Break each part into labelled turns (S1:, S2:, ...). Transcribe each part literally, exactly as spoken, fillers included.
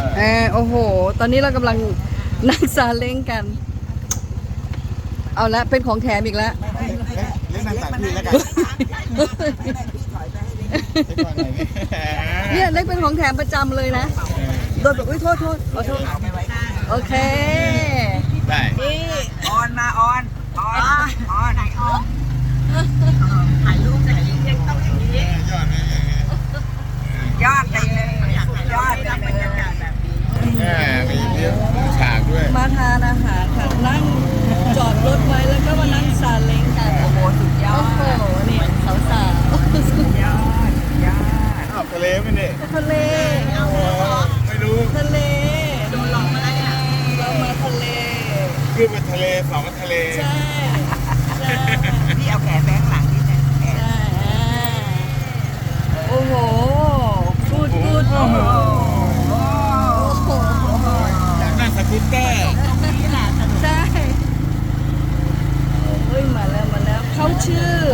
S1: เออโอ้โหตอนนี้เรากำลังนั่งซาเล้งกันเอาละเป็นของแถมอีกแล้ว
S2: เล่นนั่งตักพี่แล้วกัน
S1: เนี่ยเล็กเป็นของแถมประจำเลยนะโดนแบบอุ้ยโทษโทษขอโทษโอเค
S2: ได้
S3: นี่ออนมาออนออนออนไหนออนถ่ายรูปถ่ายรูปยังต้องอย่างนี้
S2: ยอดไหม
S3: ยอดไปเลยยอดไปบรรยากาศแบบ
S2: นี้มีเลี้ยงฉากด้วย
S1: มาทานอาหารค่ะนั่งจอดรถไว้แล้วก็มานั่งซาเล้งกัน
S3: โอ้โหสุดยอด
S1: โอ้โหนี่สาวสาว
S3: สุดยอดยอด
S2: อ้าวทะเลไหมเนี่ย
S1: ทะเล
S2: ไม่รู้
S1: ทะเล
S3: โดนหลอกมาแล้วเนี่ย
S1: เรามาทะเล
S2: ขึ้นมาทะเลสองทะเล
S1: ใช่
S3: พี่เอาแขนแบงหลังนี่นะแขน
S1: โอ้โหพูดพูดโอ้โห
S2: อยากนั่งสกูตเตอร์
S1: ใช่เฮ้ยมาแล้วมาแล้วเขาชื่อ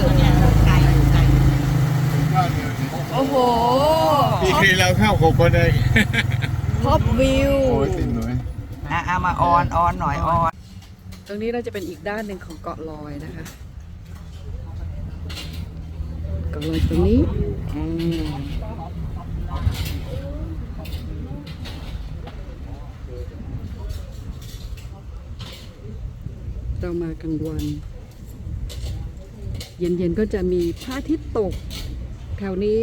S1: โอ้โห
S2: ปีนี้เราเข้าหกคนเอง
S1: ท็อปวิว
S2: โอ้ยสิหน่อย
S3: อ่ะเอามาออนออนหน่อยออน
S1: ตรงนี้เราจะเป็นอีกด้านหนึ่งของเกาะลอยนะคะเกาะลอยตรงนี้เรามากลางวัน เย็นๆก็จะมีพระอาทิตย์ตกแถวนี้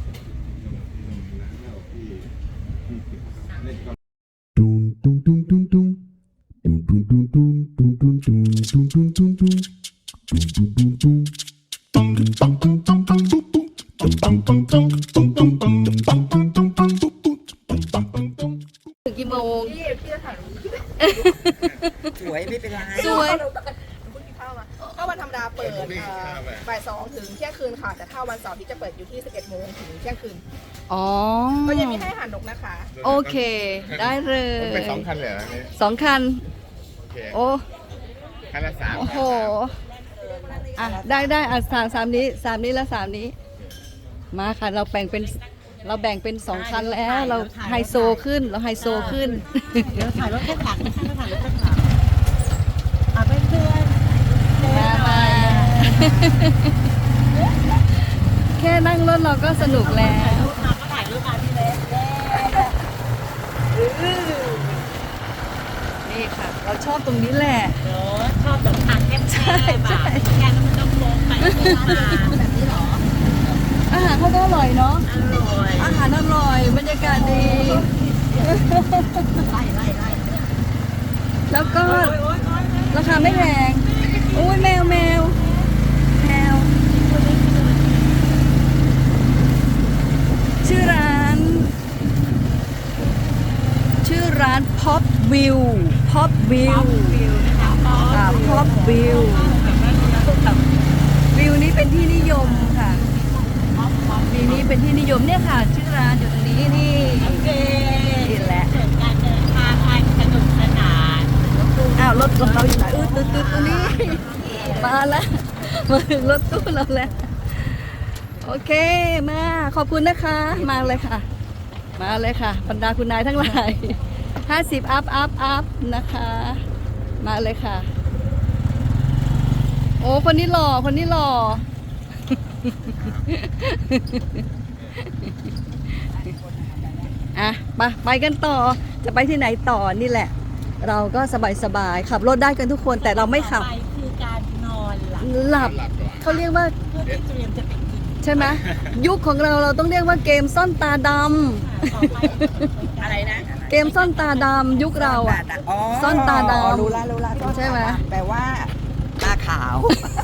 S1: กี่โมง
S3: สวยไม่เป็นไร
S1: สวย
S4: ถ้าวันธรรมดาเปิดบ่ายสองถึงเที่ยงคืนค่ะแต่ถ้าวันเสาร์ที่จะเปิดอยู่ที่สิบเอ็ดโมงถึงเที่ยงคืน
S1: อ๋อ
S4: ก็ยังมีให้อาหารนกนะคะ
S1: โอเคได้เลย
S2: เป็นสองคันเลยเหรอเนี่ย
S1: สองคันโอ้
S2: คันละสาม
S1: โอ้โหอ่ะได้ได้อ่ะสามสามนี้สามนี้แล้วสามนี้มาค่ะเราแบ่งเป็นเราแบ่งเป็นสองคันแล้วเราไฮโซขึ้นเราไฮโซขึ้น
S3: เดี๋ยวถ่ายรถแค่หลังถ่ายรถแค่หลังอ่ะเพื่อน
S1: มามาแค่นั่งรถเราก็สนุกแล้ว
S3: มาก็ถ่ายรูปมาที่เล็ก
S1: นี่ค่ะเราชอบตรงนี้แหละ
S3: ชอบแบบอัดแค่ใช่ใช่แกมันต้องลงไปแบบนี้หรอ
S1: อาหารเขาก็อร่อยเนาะ
S3: อร่อย
S1: อาหารอร่อยบรรยากาศดี
S3: ไล่ไล่ไล่
S1: แล้วก็ราคาไม่แพงโอ้ยแมวแมวแมวชื่อร้านชื่อร้าน Pop View Pop View อ่า Pop View วิวนี้เป็นที่นิยมค่ะวิวนี้เป็นที่นิยมเนี่ยค่ะชื่อร้านอยู่ตรงนี้นี่นี่แหละ
S3: การเดินทางไปสนุกสนาน
S1: อ้าวรถของเราอยู่ไหนอืดตืดตืดตรงนี้มาแล้วมาถึงรถตู้เราแล้วโอเคมาขอบคุณนะคะมาเลยค่ะมาเลยค่ะบรรดาคุณนายทั้งหลายห้าสิบอัพอัพอัพนะคะมาเลยค่ะโอ้คนนี้หล่อคนนี้หล่ออ่ะไปไปกันต่อจะไปที่ไหนต่อนี่แหละเราก็สบายๆขับรถได้กันทุกคนแต่เราไม่ขับ
S3: คือการนอน
S1: หลับเขาเรียกว่า
S3: เพื่อที่เตรียมจะไปกิน
S1: ใช่ไหมยุคของเราเราต้องเรียกว่าเกมซ่อนตาด
S3: ำอะไรนะ
S1: เกมซ่อนตาดำยุคเราอ่ะซ่อนตาดำ
S3: รู้ละรู้ละ
S1: ใช่ไหม
S3: แปลว่าตาขาว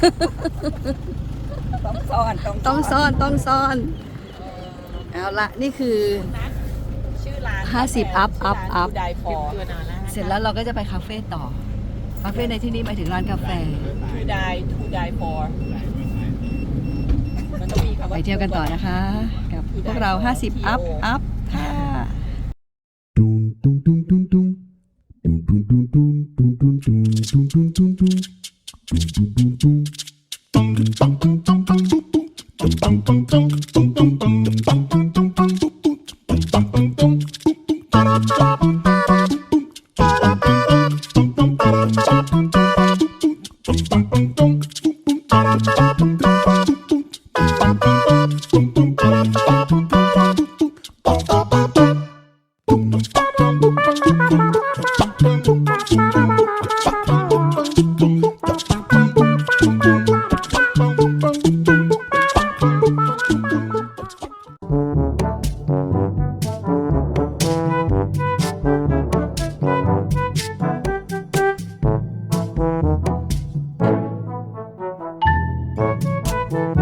S3: ต้องซ่อน
S1: ต้องซ่อนต้องซ่อนเอาละนี่คือห้าสิบอัพอัพอัพเสร็จแล้วเราก็จะไปคาเฟ่ต่อคาเฟ่ในที่นี้หมายถึงร้านกาแฟ
S3: to die to die for
S1: ไปเที่ยวกันต่อนะคะกับพวกเราห้าสิบอัพอัพค่ะ Thank